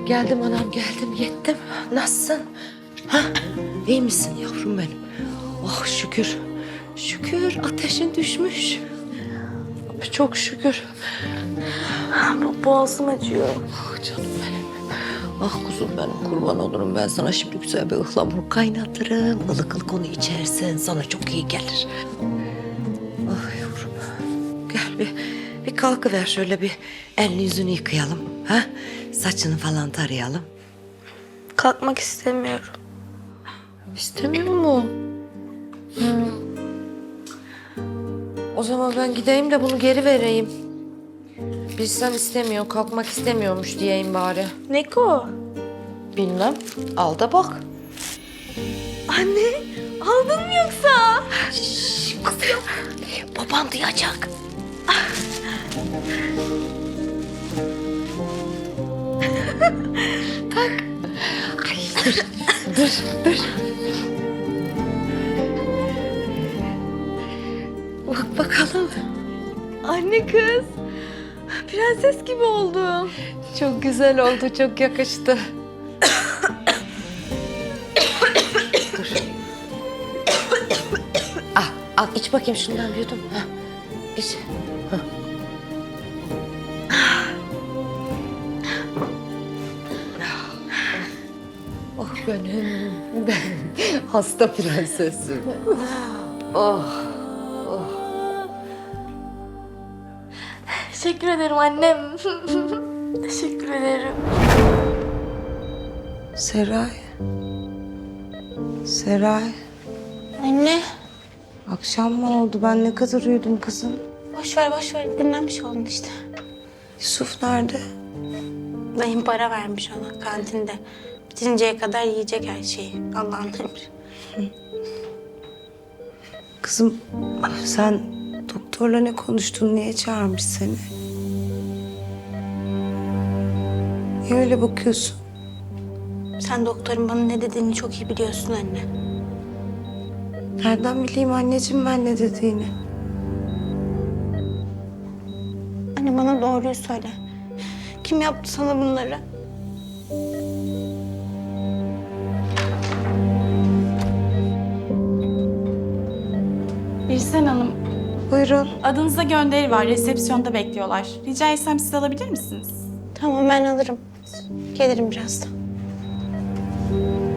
Geldim anam geldim yettim. Nasılsın? Ha? İyi misin yavrum benim? Oh şükür. Şükür ateşin düşmüş. Çok şükür. Boğazım acıyor. Ah canım benim. Ah kuzum benim kurban olurum ben sana şimdi güzel bir ıhlamur kaynatırım. Ilık ılık onu içersen sana çok iyi gelir. Ah yavrum. Gel bir kalkıver şöyle bir elini yüzünü yıkayalım. Ha? Saçını falan tarayalım. Kalkmak istemiyorum. İstemiyor mu? O zaman ben gideyim de bunu geri vereyim. Bilsem istemiyor, kalkmak istemiyormuş diyeyim bari. Neko. Bilmem, al da bak. Anne, aldın mı yoksa? Şşş, kız yok. Baban duyacak. Tak. Ay, dur. Bak bakalım. Anne kız. Prenses gibi oldum. Çok güzel oldu, çok yakıştı. Dur. Al iç bakayım şundan bir yudum. Ha. İç. Ha. Oh ben hasta prensesim. Oh. Teşekkür ederim annem. Teşekkür ederim. Seray, Anne. akşam mı oldu? Ben ne kadar uyudum kızım. Boş ver. Dinlenmiş oldun işte. Yusuf nerede? Dayım para vermiş ona kantinde. Bitinceye kadar yiyecek her şeyi. Allah'ın emri. Kızım, sen doktorla ne konuştun? Niye çağırmış seni? Niye öyle bakıyorsun? Sen doktorun bana ne dediğini çok iyi biliyorsun anne. Nereden bileyim anneciğim ben ne dediğini? Anne bana doğruyu söyle. Kim yaptı sana bunları? Birsen Hanım, Buyurun. adınıza gönderi var. Resepsiyonda bekliyorlar. Rica etsem siz alabilir misiniz? Tamam ben alırım. Gelirim birazdan.